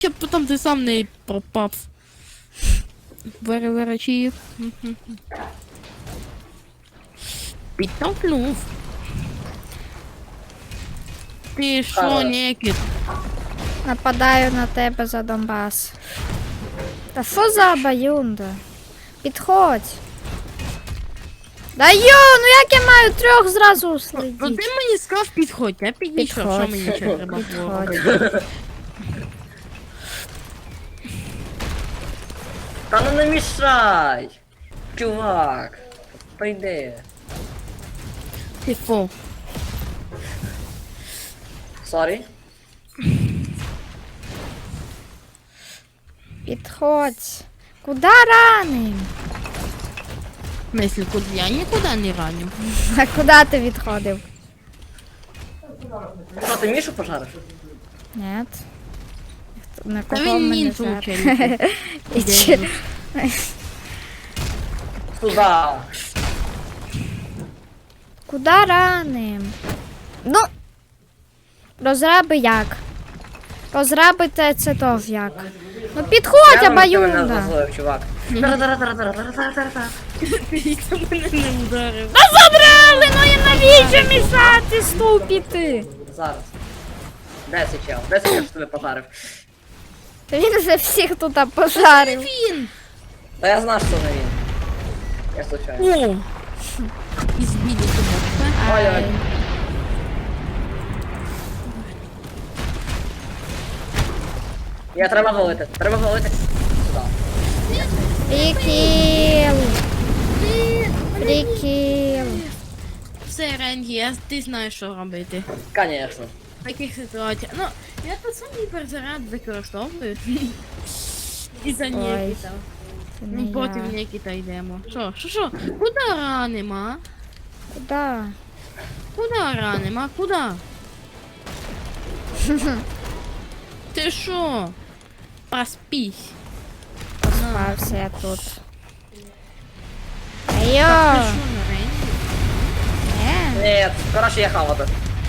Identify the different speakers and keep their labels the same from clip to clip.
Speaker 1: Щоб потім ти сам не пропав. Вирачив. Підтолкнув. Ти що, Нікіт?
Speaker 2: Нападаю на тебе за Донбас. Та що за обоюнда? Підходь. Да йо, ну як я маю трьох зразу
Speaker 1: Ну
Speaker 2: слідити?
Speaker 1: ти мені сказав підходь, я підійшов, що
Speaker 2: Підходь.
Speaker 1: мені ще треба було
Speaker 2: Підходь.
Speaker 1: робити?
Speaker 3: Та ну не мішай! Чувак! Прийди.
Speaker 1: Ти фу.
Speaker 3: Сорі.
Speaker 2: Підходь. Куда раним?
Speaker 1: В смысле, куди? Я нікуди не раню.
Speaker 2: А куди ти відходив?
Speaker 3: Що, ти Мішу пожариш?
Speaker 2: Нет. На
Speaker 1: Та
Speaker 2: кого
Speaker 1: він
Speaker 2: мене
Speaker 1: нінцу
Speaker 2: жар?
Speaker 1: вчить.
Speaker 2: І чи-
Speaker 3: Туда!
Speaker 2: Куда раним? Ну. Розраби як? Розрабити це то як? Ну підходь,
Speaker 3: Я мене
Speaker 2: обоюнда.
Speaker 3: зазлив, чувак. Тара-тара-тара-тара-тара-тара-тара.
Speaker 1: Ти мене не ударив.
Speaker 2: Та забрали, ну і навіщо мішати ступіти?
Speaker 3: Зараз. Де цей чел? Де цей чел, що тебе пожарив?
Speaker 2: Та він вже всіх тут пожарив.
Speaker 1: Він!
Speaker 3: Та я знав, що не він. Я случайно.
Speaker 1: О! Ізбіді тебе.
Speaker 3: Ой-ой. Я треба голити. Треба голити. Сюда.
Speaker 2: Прикіл. Прикіл.
Speaker 1: Все, Ренді, ти знаєш, що робити.
Speaker 3: Конечно.
Speaker 1: В таких ситуаціях. Ну, я тут сам гіперзаряд використовую. І за Нікіта.
Speaker 2: Це
Speaker 1: Ну,
Speaker 2: не
Speaker 1: потім
Speaker 2: я.
Speaker 1: Нікіта йдемо. Що? Куди ранимо, а?
Speaker 2: Куда?
Speaker 1: Куди ранимо, а? Куди? Ти що? Проспись.
Speaker 2: Спався я тут.
Speaker 1: Ти
Speaker 2: Айо!
Speaker 1: що, на Ренді?
Speaker 2: Не,
Speaker 3: Ні, коротше, я хавати.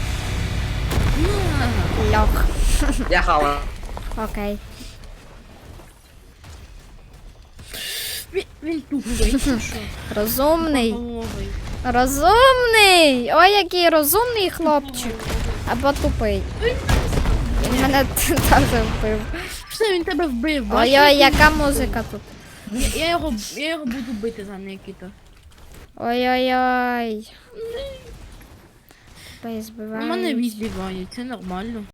Speaker 2: льох.
Speaker 3: Я хава.
Speaker 2: Окей.
Speaker 1: Він тупий, чи що?
Speaker 2: Розумний.
Speaker 1: Головий.
Speaker 2: Розумний! Ой, який розумний хлопчик. Або тупий. Він мене теж вбив.
Speaker 1: Все, він тебе вбив, бачиш?
Speaker 2: Ой-ой, яка музика тут.
Speaker 1: Я його буду бити за Нікіта.
Speaker 2: Ой-ой-ой.
Speaker 1: У мене
Speaker 2: Збивають.
Speaker 1: відбивають, це нормально.